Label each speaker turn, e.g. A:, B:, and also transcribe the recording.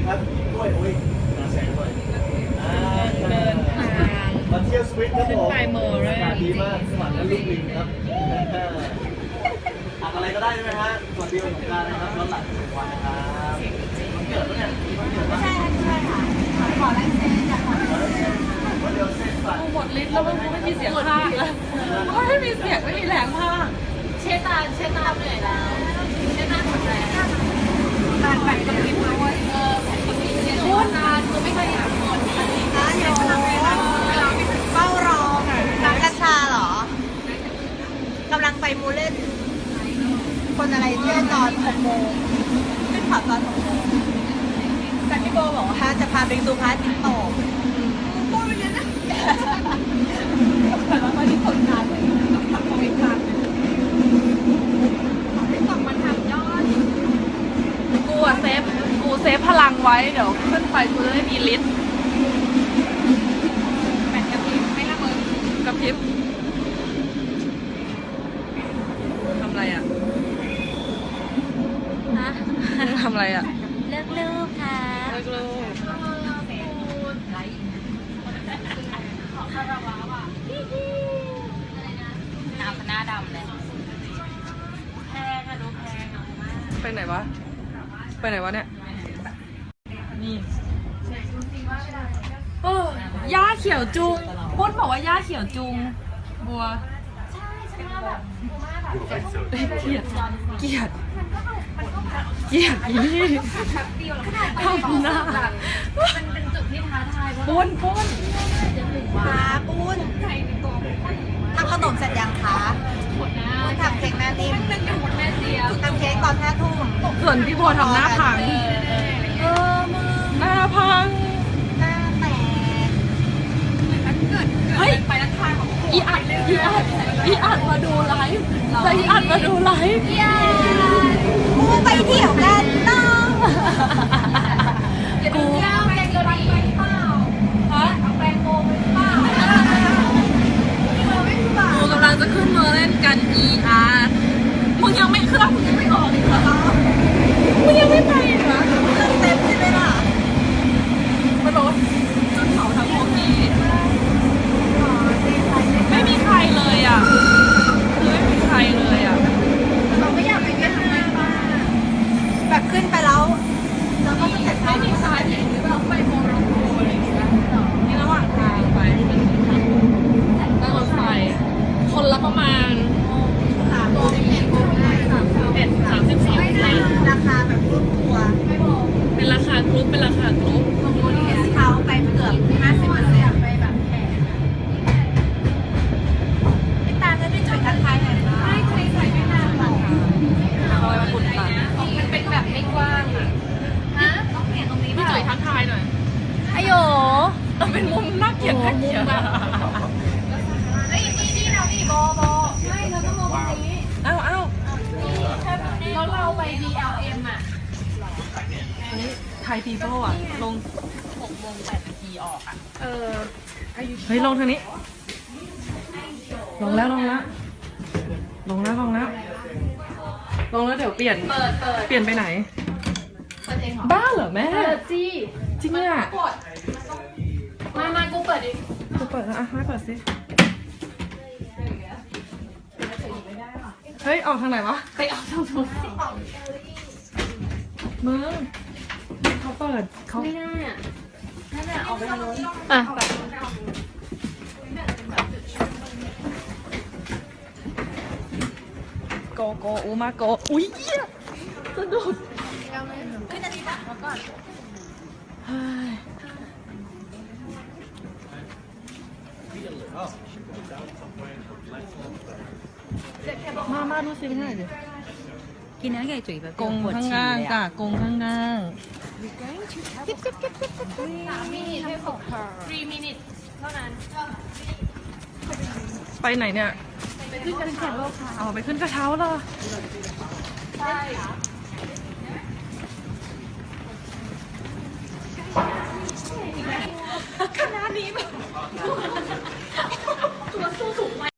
A: ครับด้วยอุ้ยน่าแสงด้วย
B: เดินทาง
A: มาเที่ยวสวิตครับผม
B: ขึ้นไปโมเรล
A: อากาศดีมากสวรรค์และลูกลิงครับอัดอะไรก็ได้ใช่ไหมฮะสวัสดีวันสงกรานต์นะครับย้อนหลัง1 วันนะครับวันเกิดปะเนี่ยวันเกิดปะ
C: ใช่ค่ะขอลายเซ็นอยากขอลายเซ็น
A: วันเดียวเสร็จสัตว์
B: หมดลิ้นแล้วมันไม่มีเสียงพากย์แล้วไม่มีเสียงไม่มีแรงพากย์
C: เชตาเหนื่อยแล้วเชตาหมดแรงตาแผ่นกับพิมพ์ด้วยแผ่นกับพิมพ์เนี่ยพูดนานคือไม่เคยเห็นหมดนะเดี๋ยวเฝ้ารอน้ำกัญชาเหรอกำลังไปมูเล่นคนอะไรที่ตอน6 โมงขึ้นผับตอน6 โมงแต่พี่โบบอกว่าจะพาไปดูพระอาทิตย์ตกโบไปเรียนนะแต่ว่าตอนนี้ผลงานเลยทำโควิดงานกลับมาทำยอด
B: กูเซฟพลังไว้เดี๋ยวขึ้นไปกูจะได้มีลิสต์
C: แผ่นกับพิมพ์ไม่ละเมิน
B: กับพริบทำอะไรอ่ะ
C: ฮะ
B: ทำอะไรอ่ะ
C: เลิกลูกค่ะ
B: เลิกลูก
C: หน้าดำเลยแพงอะดูแพงอะ
B: ไปไหนวะเนี่ยนี่โอ้ย่าเขียวจุงปุ้นบอกว่าย่าเขียวจุงบัว
C: ใช่ฉันว่าแบบมากแบบ
B: เกลียดอีนี่ทำหน้า
C: มันเป็นจุดที่ท้าทายเพราะ
B: ปุ้น
C: ขาปุ้นทำขนมเสร็จยังคะทำเค้กแม่นิ่มทำเค้กตอน5 ทุ่ม
B: ส่วนพี่บัวทำหน้าพัง
C: มึง
B: หน้าพัง
C: หน้าแตก
B: เฮ้ยอีอัดมาดูไลฟ์แล้วอีอัดมาดูไลฟ์
C: กูไปเที่ยวกันน้อง
B: กู
C: เอาแปรงโกไปเปล่าเอาแปรงโกไปเปล่า
B: กูกำลังจะขึ้นมาเล่นกัน ER มึงยังไม่เครื่องมึงยังไม่ออกอีกเหรอมึงยังไม่ไปอีกเหรอ
C: เครื่องเต็มใช่ไหมล่ะ
B: มันบอกว่าจุดเผาทั้งโมกี้ไม่มีใครเลยอ่ะคือไม่มีใครเลยอ่ะ
C: เราไม่อยากไปเวียดนามบ้างแบบขึ้นไปแล้วเราก็จะเสร็จ
B: ไม่มีใครเห็นหรือเปล่าไปโมร็อกโกอะไรอย่างเงี้ยนี่ระหว่างทางไปนั่งรถไฟคนละประมาณ
C: ราคาแบบรุ่นตัวไม่บอก
B: เป็นราคากรุ๊ป
C: เขาไปเกือบ50%ไปแบบแขกพี่ตาจะได้จุดทักทายหน่อยไหมไม่เคยใส่ไม่นานหรอก
B: เอาไว้มาขุดตัน
C: มันเป็นแบบไม่กว้างอ่ะฮะต้องเปลี่ยนตรงนี้
B: พี่จุ๋ยทักทายหน่อย
C: อโย
B: มันเป็นมุมน่าเกลียดน่าเกลียด
C: เฮ้ยนี่เรานี่โบใช่เราต้องมองตรงนี้
B: เอ้า
C: แล้วเราไป BLM อ่ะ
B: ไทยพีเพิลอ่ะลง
C: 6:08 ออกอ่ะ
B: เฮ้ยลงทางนี้ ลงแล้วเดี๋ยวเปลี่ยน
C: เปิด
B: เปลี่ยนไปไหน
C: เปิดเองเหรอ
B: บ้าเหรอแม่
C: เปิดสิ
B: จริงอ่ะ
C: กดมากูเปิดดิ
B: กูเปิดแล้วอ่ะให้เปิดสิ เฮ้ย ออกทางไหนวะ
C: ไปเอาทางนู้น
B: มึงเขาเปิดเขา
C: ไม่ได้อ่ะนั่นแหละออกไปทางนู้น
B: อ่ะโกอูมาโกอุ้ยเหี้ยสะดุด
C: ขึ้นอันนี้ปะมาก่อน
B: เฮ้ยมาดูสิเป็นไงดิ
C: กินเนื้อไก่จุ๋ยแบบ
B: กงข้างล่างจ้ะกงข้างล่าง
C: 3 มินิให้6 3 มินิเท่านั้น
B: ไปไหนเนี่ย
C: ไปขึ้นกันแข่งโลกค่ะ
B: เอาไปขึ้นกระเช้าเหรอ
C: ใช่คณะนี้แบบตัวสู้สูง